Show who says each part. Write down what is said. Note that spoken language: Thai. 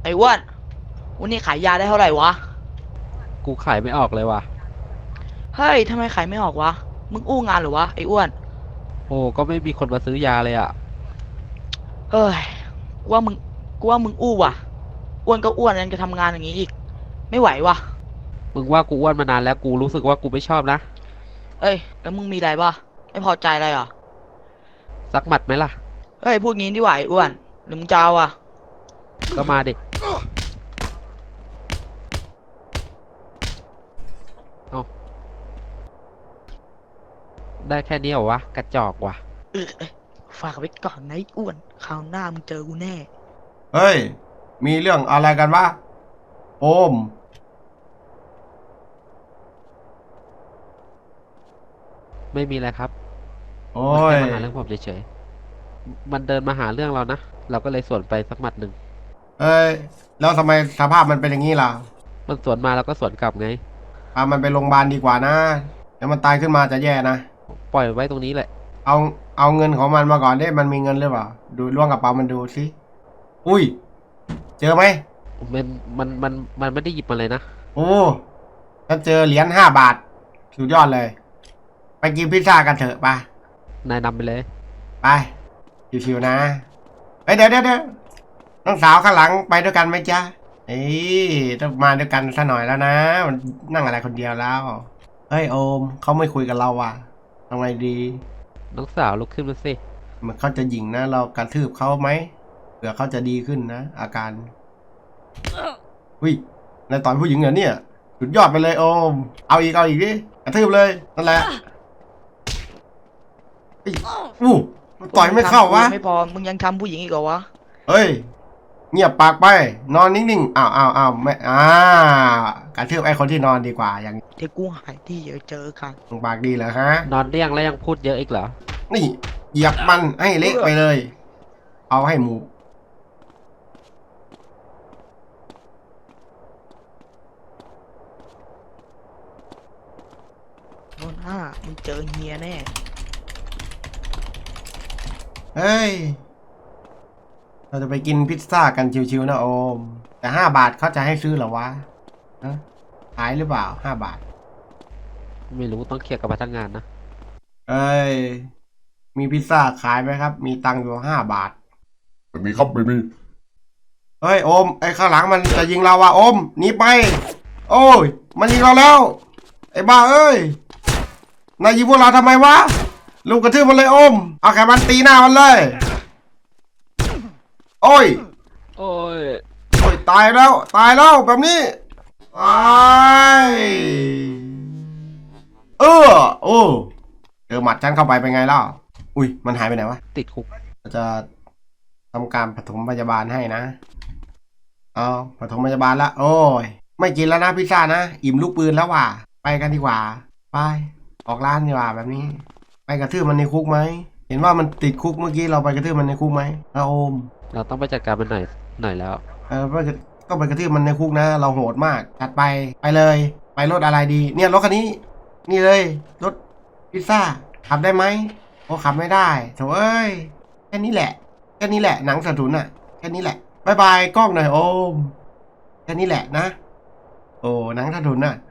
Speaker 1: อ้อ้วนวันนี้ขายยาได้เท่าไหร่วะ
Speaker 2: กูขายไม่ออกเลยว่ะ
Speaker 1: เฮ้ยทำไมขายไม่ออกวะมึงอู้งานหรือวะไอ้อ้วน
Speaker 2: โอ้ก็ไม่มีคนมาซื้อยาเลยอ่ะ
Speaker 1: เฮ้ยกูว่ามึงกูว่ามึงอู้ว่ะอ้วนก็อ้วนยังจะทำงานอย่างนี้อีกไม่ไหวว่ะ
Speaker 2: มึงว่ากูอ้วนมานานแล้วกูรู้สึกว่ากูไม่ชอบนะ
Speaker 1: เอ้ยแล้วมึงมีอะไรปะไม่พอใจอะไรเหรอ
Speaker 2: สักหมัดไหมล่ะ
Speaker 1: เฮ้ยพูดงี้ดีกว่าไอ้อ้วนหรือมึงจะเอาอ่ะ
Speaker 2: ก็มาดิเอาได้แค่นี้เหรอวะกระจอกว่ะ
Speaker 1: เอ้ยฝากไว้ก่อนนะไอ้อ้วนคราวหน้ามึงเจอกูแน่
Speaker 3: เฮ้ย มีเรื่องอะไรกันวะโอม
Speaker 2: ไม่มีอะไรครับ
Speaker 3: โอ้
Speaker 2: มันแค่
Speaker 3: ย
Speaker 2: มาหาเรื่องผมเฉยๆมันเดินมาหาเรื่องเรานะเราก็เลยสวนไปสักหมัดหนึ่ง
Speaker 3: เฮ้ย แล้วทำไมสภาพมันเป็นอย่างนี้ล่ะ
Speaker 2: มันสวนมาเราก็สวนกลับไง
Speaker 3: พามันไปโรงพยาบาลดีกว่านะเดี๋ยวมันตายขึ้นมาจะแย่นะ
Speaker 2: ปล่อยไว้ตรงนี้แหละ
Speaker 3: เอาเอาเงินของมันมาก่อนดิมันมีเงินหรือเปล่า ดูล้วงกระเป๋ามันดูสิอุ้ย เจอไหม
Speaker 2: มันมันไม่ได้หยิบมาเลยนะ
Speaker 3: โอ้ถ้าเจอเหรียญ5 บาทสุดยอดเลย ไปกินพิซซ่ากันเถอะไป
Speaker 2: นายนำไปเลย
Speaker 3: ไปชิวๆนะเฮ้ยเดี๋ยวน้องสาวข้างหลังไปด้วยกันไหมจ๊ะเอ้ยต้องมาด้วยกันซะหน่อยแล้วนะมันนั่งอะไรคนเดียวแล้วเฮ้ยโอมเขาไม่คุยกับเราว่ะทำไงดี
Speaker 2: น้องสาวลุกขึ้นมาสิ
Speaker 3: มันเขาจะหยิ่งนะเรากระทืบเขาไหมเผื่อเขาจะดีขึ้นนะอาการอุ้ยนายต่อยผู้หญิงเหรอเนี่ยสุดยอดไปเลยโอมเอาอีกดิกระทืบเลยนั่นแหละอู้ต่อยไม่เข้าวะ
Speaker 1: ไม่พอมึงยังทำผู้หญิงอีกเหรอวะ
Speaker 3: เฮ้ยเงียบปากไปนอนนิ่งๆอ้าวไม่กระทืบไอ้คนที่นอนดีกว่าอย่าง
Speaker 1: เดี๋ยวกูหายที่เจอกัน
Speaker 3: ปากดีเหรอฮะ
Speaker 2: นอนเรียงแล้วยังพูดเยอะอีกเหรอ
Speaker 3: นี่เหยียบมันให้เละไปเลย เอาให้หมู
Speaker 1: โน่นมึงเจอเฮียแน่
Speaker 3: เฮ้ยเราจะไปกินพิซซ่ากันชิวๆนะโอมแต่5 บาทเขาจะให้ซื้อเหรอวะนะขายหรือเปล่า5 บาท
Speaker 2: ไม่รู้ต้องเคลียร์กับพนักงานนะ
Speaker 3: เอ้ยมีพิซซ่าขายไหมครับมีตังค์อยู่5 บาท
Speaker 4: ไม่มีครับไม่มี
Speaker 3: เฮ้ยโอมไอ้ข้างหลังมันจะยิงเราว่ะโอมหนีไปโอ้ยมันยิงเราแล้วไอ้บ้าเอ้ยนายยิงพวกเราทำไมวะลูกกระทืบมันเลยโอมเอาแขนมันตีหน้ามันเลยโอ้ย
Speaker 2: โอ้ย
Speaker 3: โอ้ยตายแล้วแบบนี้ไอ้เออโอ้เจอหมัดฉันเข้าไปเป็นไงล่ะอุ้ยมันหายไปไหนวะ
Speaker 2: ติดคุก
Speaker 3: จะทำการปฐมพยาบาลให้นะเอาปฐมพยาบาลละโอ้ยไม่กินแล้วนะพิซซ่านะอิ่มลูกปืนแล้วว่ะไปกันดีกว่าไปออกร้านดีกว่าแบบนี้ไปกระทืบมันในคุกไหมเห็นว่ามันติดคุกเมื่อกี้เราไปกระทืบมันในคุกไหมนะโอม
Speaker 2: เราต้องไปจัดการมันหน่อยแล้ว
Speaker 3: ต้องไปกระทืบมันในคุกนะเราโหดมากจัดไปเลยไปรถอะไรดีเนี่ยรถคันนี้นี่เลยรถพิซซ่าขับได้ไหมโอ้ขับไม่ได้โถ่เอ้ยแค่นี้แหละหนังสะทุนอ่ะแค่นี้แหละบายบายกล้องหน่อยโอมแค่นี้แหละนะโอ้หนังสะทุนอ่ะ